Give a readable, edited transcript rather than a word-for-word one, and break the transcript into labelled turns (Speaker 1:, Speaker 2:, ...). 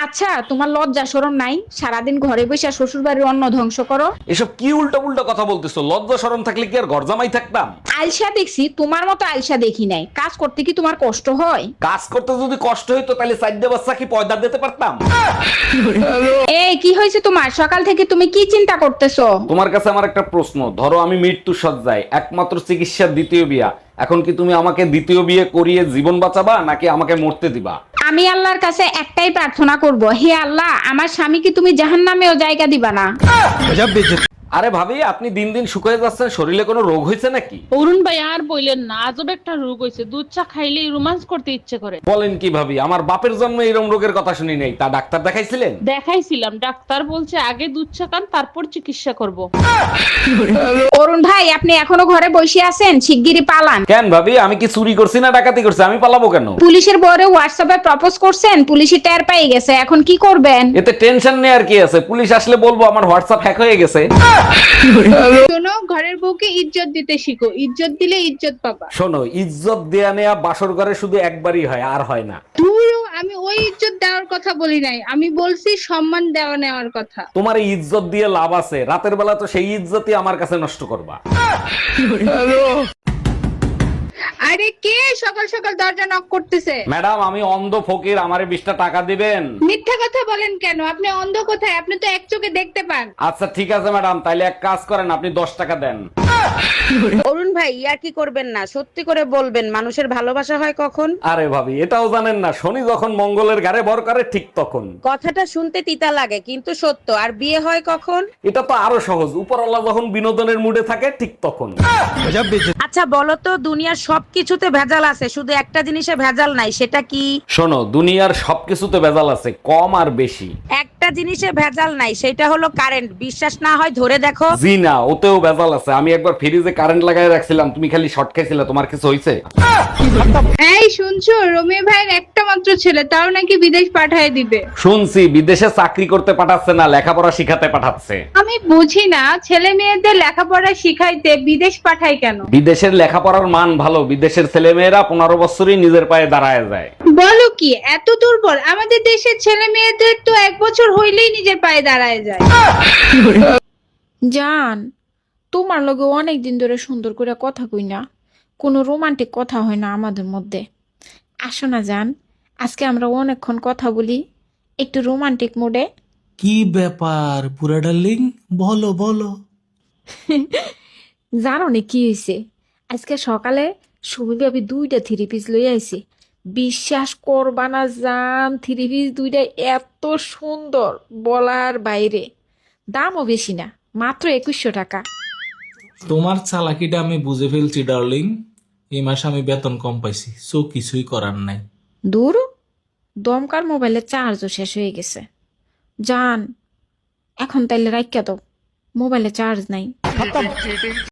Speaker 1: আচ্ছা, তোমার লজ্জা শরম নাই? সারাদিন ঘরে বসে শ্বশুর বাড়ির অন্ন ধ্বংস করো।
Speaker 2: এসব কি উল্টো পুল্টো কথা বলতেছো? লজ্জা শরম থাকলে কি আর ঘর জামাই থাকতাম?
Speaker 1: আলসা দেখছি, তোমার মতো আলসা দেখি নাই। কাজ করতে কি তোমার কষ্ট হয়?
Speaker 2: কাজ করতে যদি কষ্ট হইতো তাহলে চারটে বাচ্চা কি পয়দা দিতে পারতাম?
Speaker 1: এই কি হয়েছে তোমার? সকাল থেকে তুমি কি চিন্তা করতেছো?
Speaker 2: তোমার কাছে আমার একটা প্রশ্ন, ধরো আমি মৃত্যু সজ্জায়, একমাত্র চিকিৎসার দ্বিতীয় বিয়া, এখন কি তুমি আমাকে দ্বিতীয় বিয়ে করিয়ে জীবন বাঁচাবা নাকি আমাকে মরতে দিবা?
Speaker 1: আমি আল্লাহর কাছে একটাই প্রার্থনা করব, হে আল্লাহ, আমার স্বামীকে তুমি জাহান্নামেও জায়গা দিবা না।
Speaker 2: আরে ভাবি, আপনি দিন দিন শুকিয়ে যাচ্ছেন, শরীরে কোনো রোগ হয়েছে নাকি?
Speaker 3: অরুণ ভাই আর বললেন না, আজব একটা রোগ হয়েছে, দুধ চা খাইলেই রোমান্স করতে ইচ্ছে করে।
Speaker 2: বলেন কি ভাবি, আমার বাপের জন্মে এরকম রোগের কথা শুনি নাই, তা ডাক্তার দেখাইছিলেন?
Speaker 3: দেখাইছিলাম, ডাক্তার বলছে আগে দুধ চা খান তারপর চিকিৎসা করব।
Speaker 1: অরুণ ভাই, আপনি এখনো ঘরে বসে আছেন? শিগগিরই পালান।
Speaker 2: কেন ভাবি, আমি কি চুরি করছি না ডাকাতি করছি? আমি পালাবো কেন?
Speaker 1: পুলিশের বরে হোয়াটসঅ্যাপে প্রপোজ করছেন, পুলিশই টের পেয়ে গেছে, এখন কি করবেন?
Speaker 2: এতে টেনশন নেই আর কি আছে, পুলিশ আসলে বলবো আমার হোয়াটসঅ্যাপ হ্যাক হয়ে গেছে।
Speaker 4: শোনো, ঘরের বউকে ইজ্জত দিতে শিখো, ইজ্জত দিলে ইজ্জত পাবা।
Speaker 2: শোনো, ইজ্জত দেয়া নেয়া বাসর ঘরে শুধু একবারই হয়, আর হয় না।
Speaker 4: ধুরো, আমি ওই ইজ্জত দেওয়ার কথা বলি নাই, আমি বলছি সম্মান দেওয়া নেওয়ার কথা।
Speaker 2: তোমার এই ইজ্জত দিয়ে লাভ আছে? রাতের বেলা তো সেই ইজ্জতই আমার কাছে নষ্ট করবা।
Speaker 4: আরে কে সকাল সকাল দরজা নক করতেছে?
Speaker 2: ম্যাডাম, আমি অন্ধ ফকির, আমারে 20টা টাকা দিবেন?
Speaker 4: মিথ্যা কথা বলেন কেন? আপনি অন্ধ কোথায়? আপনি তো এক চোখে দেখতে পান।
Speaker 2: আচ্ছা ঠিক আছে ম্যাডাম, তাইলে এক কাজ করেন, আপনি 10 টাকা দেন।
Speaker 5: অরুণ ভাই, ইয়ার কি করবেন না, সত্যি করে বলবেন, মানুষের ভালোবাসা হয় কখন?
Speaker 2: আরে ভাবি, এটাও জানেন না? শনি যখন মঙ্গলের ঘাড়ে ভর করে ঠিক তখন।
Speaker 5: কথাটা শুনতে তিতা লাগে কিন্তু সত্য। আর বিয়ে হয় কখন?
Speaker 2: এটা তো আরো সহজ, উপরওয়ালা যখন বিনোদনের মুডে থাকে ঠিক তখন।
Speaker 5: আচ্ছা বলো তো, দুনিয়ার সবকিছুতে ভেজাল আছে, শুধু একটা জিনিসে ভেজাল নাই, সেটা কি?
Speaker 2: শোনো, দুনিয়ার সবকিছুতে ভেজাল আছে, কম আর বেশি।
Speaker 5: একটা জিনিসে ভেজাল নাই, সেটা হলো কারেন্ট। বিশ্বাস না হয় ধরে দেখো।
Speaker 2: জি না, ওতেও ভেজাল আছে। আমি একবার ফ্রিজে কারেন্ট লাগাই রাখছিলাম, তুমি খালি শর্ট খাইছিলে, তোমার কিছু হয়েছে?
Speaker 4: এই শুনছো, রমি ভাইয়ের একটা মাত্র ছেলে, তাও নাকি বিদেশ পাঠায় দিবে।
Speaker 2: শুনছি বিদেশে চাকরি করতে পাঠাচ্ছে না, লেখাপড়া শিখাতে পাঠাচ্ছে।
Speaker 4: আমি বুঝি না, ছেলে মেয়েদের লেখাপড়া শিখাইতে বিদেশ পাঠায় কেন?
Speaker 2: বিদেশের লেখাপড়ার মান ভালো, বিদেশের ছেলে মেয়েরা 15 বছরই নিজের পায়ে দাঁড়ায় যায়।
Speaker 4: বলো কি, এত দুর্বল? আমাদের দেশের ছেলে মেয়েদের তো 1 বছর হইলেই নিজের পায়ে দাঁড়ায় যায়।
Speaker 1: জান, তোমার লগে অনেক দিন ধরে সুন্দর করে কথা কই না, কোনো রোমান্টিক কথা হয় না আমাদের মধ্যে। আসো না জান, আজকে আমরা অনেকক্ষণ কথা বলি, একটু রোমান্টিক মোডে।
Speaker 6: কি ব্যাপার পুরা ডার্লিং, বলো বলো।
Speaker 1: জানো না কি হয়েছে? আজকে সকালে সুমি ভাবি 2টা থ্রি পিস লই আইছে। বিশ্বাস করবা না জান, থ্রি পিস 2টা এত সুন্দর বলার বাইরে। দামও বেশি না, মাত্র 2100 টাকা।
Speaker 6: তোমার চালাকিটা আমি বুঝে ফেলছি ডার্লিং। এই মাসে আমি বেতন কম পাইছি, সো কিছুই করার নাই।
Speaker 1: দূর, দমকার মোবাইলের চার্জও শেষ হয়ে গেছে। জান, এখন তাইলে রাইখা দাও, মোবাইলে চার্জ নাই।